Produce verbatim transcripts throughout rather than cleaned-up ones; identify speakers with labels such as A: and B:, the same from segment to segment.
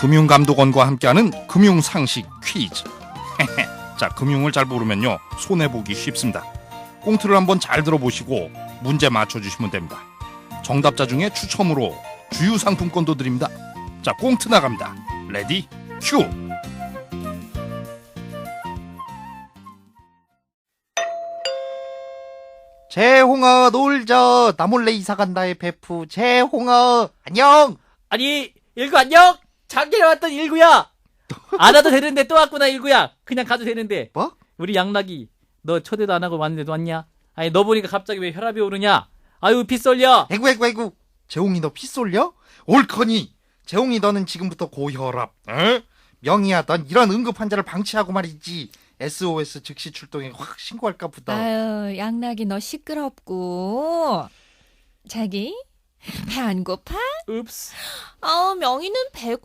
A: 금융감독원과 함께하는 금융상식 퀴즈. 자, 금융을 잘 모르면요 손해보기 쉽습니다. 꽁트를 한번 잘 들어보시고 문제 맞춰주시면 됩니다. 정답자 중에 추첨으로 주유상품권도 드립니다. 자, 꽁트 나갑니다. 레디 큐.
B: 재홍아 놀자. 나 몰래 이사간다의 베프 재홍아 안녕.
C: 아니, 일구 안녕? 작년에 왔던 일구야. 안 와도 되는데 또 왔구나, 일구야. 그냥 가도 되는데.
B: 뭐?
C: 우리 양락이 너 초대도 안 하고 왔는데도 왔냐? 아니, 너 보니까 갑자기 왜 혈압이 오르냐? 아유, 피 쏠려.
B: 에구 에구 에구. 재홍이 너 피 쏠려? 옳거니. 재홍이 너는 지금부터 고혈압. 에? 명희야 넌 이런 응급 환자를 방치하고 말이지. 에스오에스 즉시 출동해 확 신고할까 보다.
D: 아유, 양락이 너 시끄럽고. 자기, 배 안 고파?
C: 읍스.
D: 아, 명희는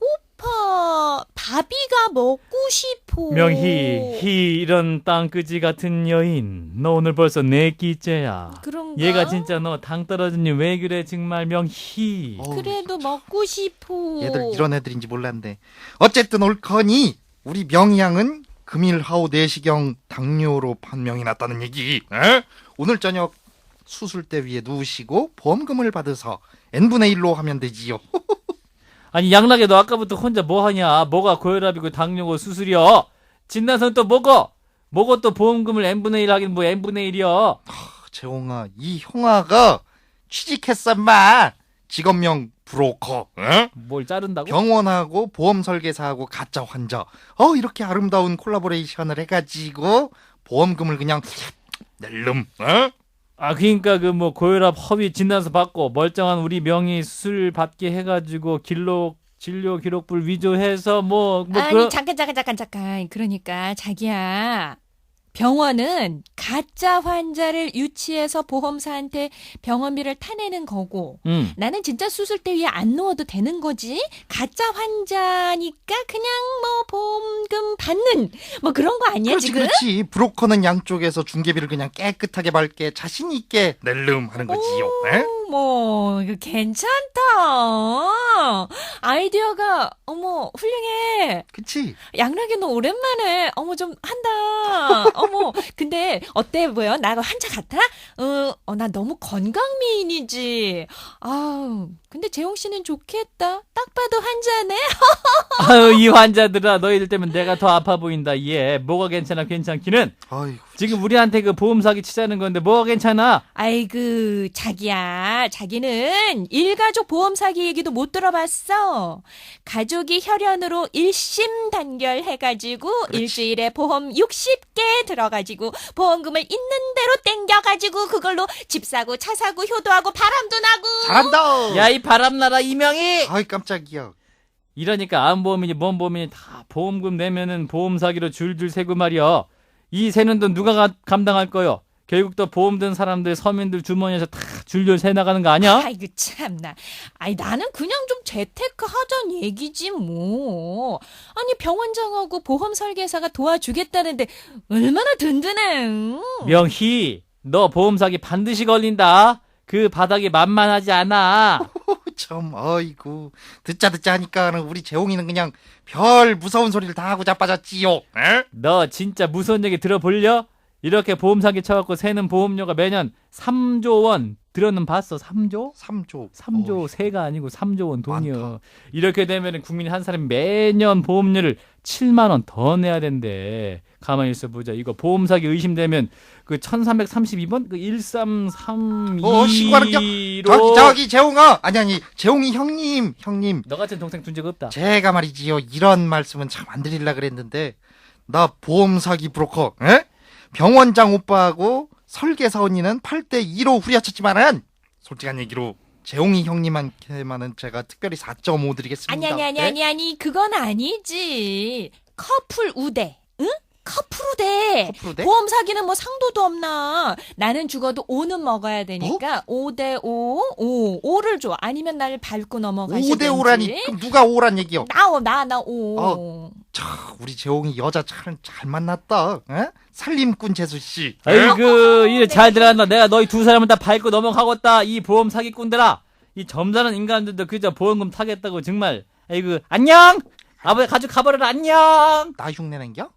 D: 배고파. 밥이가 먹고 싶어.
C: 명희, 희 이런 땅끄지 같은 여인. 너 오늘 벌써 네 끼째야.
D: 그런가?
C: 얘가 진짜 너 당 떨어지니 왜 그래 정말 명희.
B: 어우,
D: 그래도 먹고 싶어.
B: 얘들 이런 애들인지 몰랐네. 어쨌든 옳거니 우리 명희양은 금일 하오 네 시경 당뇨로 판명이 났다는 얘기. 에? 오늘 저녁 수술대 위에 누우시고 보험금을 받아서 엔분의 일로 하면 되지요.
C: 아니, 양락이 너 아까부터 혼자 뭐 하냐? 뭐가 고혈압이고 당뇨고 수술이여? 진단서는 또 뭐고? 뭐고 또 보험금을 엔분의 일 하긴 뭐 엔분의 일이여?
B: 재홍아, 이 형아가 취직했어 마. 직업명 브로커. 에?
C: 뭘 자른다고?
B: 병원하고 보험 설계사하고 가짜 환자. 어 이렇게 아름다운 콜라보레이션을 해가지고 보험금을 그냥 낼름. 에?
C: 아, 그러니까 그 뭐 고혈압 허위 진단서 받고 멀쩡한 우리 명의 수술 받게 해가지고 기록 진료 기록불 위조해서 뭐 뭐
D: 아니,
C: 그런.
D: 잠깐, 잠깐, 잠깐, 잠깐. 그러니까, 자기야. 병원은 가짜 환자를 유치해서 보험사한테 병원비를 타내는 거고,
C: 음.
D: 나는 진짜 수술대 위에 안 누워도 되는 거지. 가짜 환자니까 그냥 뭐 보험금 받는 뭐 그런 거 아니야,
B: 그렇지
D: 지금?
B: 그렇지. 브로커는 양쪽에서 중개비를 그냥 깨끗하게 밝게 자신 있게 낼름 하는 거지요. 에?
D: 오, 뭐 이거 괜찮다. 아이디어가 어머 훌륭해.
B: 그치?
D: 양락이 너 오랜만에 어머 좀 한다. 어머 근데 어때 보여? 나 환자 같아? 어, 어, 나 너무 건강미인이지. 아우 근데 재홍 씨는 좋겠다. 딱 봐도 환자네.
C: 아유, 이 환자들아, 너희들 때문에 내가 더 아파 보인다. 얘 뭐가 괜찮아 괜찮기는.
B: 아이고.
C: 지금 우리한테 그 보험 사기 치자는 건데 뭐가 괜찮아?
D: 아이고 자기야, 자기는 일가족 보험 사기 얘기도 못 들어봤어. 가족이 혈연으로 일심 단결해가지고 일주일에 보험 육십 개 들어가지고 보험금을 있는 대로 땡겨가지고 그걸로 집 사고 차 사고 효도하고 바람도 나고.
B: 잘한다.
C: 야, 이 바람나라 이명희.
B: 아이 깜짝이야.
C: 이러니까 암보험이니 뭔 보험이니 다 보험금 내면은 보험 사기로 줄줄 세고 말이야. 이 세는 돈 누가 가- 감당할 거요? 결국 또 보험 든 사람들 서민들 주머니에서 다 줄줄 새 나가는 거 아니야?
D: 아이고 참나. 아니 나는 그냥 좀 재테크 하자는 얘기지 뭐. 아니 병원장하고 보험 설계사가 도와주겠다는데 얼마나 든든해.
C: 명희, 너 보험 사기 반드시 걸린다. 그 바닥이 만만하지 않아.
B: 참 아이고 듣자 듣자 하니까 우리 재홍이는 그냥 별 무서운 소리를 다 하고 자빠졌지요. 에?
C: 너 진짜 무서운 얘기 들어볼려? 이렇게 보험 사기 쳐갖고 새는 보험료가 매년 삼조 원 들어는 봤어. 삼조?
B: 삼조.
C: 삼조
B: 어이,
C: 세가 아니고 삼조 원 돈이요.
B: 많다.
C: 이렇게 되면 국민 한 사람이 매년 보험료를 칠만 원 더 내야 된대. 가만히 있어 보자. 이거 보험 사기 의심되면 그 천삼백삼십이 번 그 일삼삼이로
B: 어, 신고하는 저기 저기 재홍아 아니 아니 재홍이 형님 형님
C: 너 같은 동생 둔 적 없다.
B: 제가 말이지요 이런 말씀은 참 안 드리려 그랬는데 나 보험 사기 브로커 에? 병원장 오빠하고 설계사 언니는 팔 대 이로 후려쳤지만은 솔직한 얘기로 재홍이 형님한테만은 제가 특별히 사 점 오 드리겠습니다.
D: 아니 아니 아니
B: 네?
D: 아니 아니 그건 아니지. 커플 우대. 응? 커플 우대.
B: 커플 우대?
D: 보험 사기는 뭐 상도도 없나. 나는 죽어도 오는 먹어야 되니까 오 대 오, 오, 오를 줘. 아니면 나를 밟고 넘어가시든지.
B: 오 대 오라니 그럼 누가 오란 얘기요?
D: 나, 나, 나 오.
B: 어. 차, 우리 재홍이 여자 참 잘 만났다. 에? 살림꾼 재수 씨.
C: 아이고, 이래 잘 들어간다. 내가 너희 두 사람을 다 밟고 넘어가겠다. 이 보험 사기꾼들아. 이 점잖은 인간들도 그저 보험금 타겠다고 정말. 아이고, 안녕. 아버지 가족 가버려라 안녕.
B: 나 흉내 nen겨?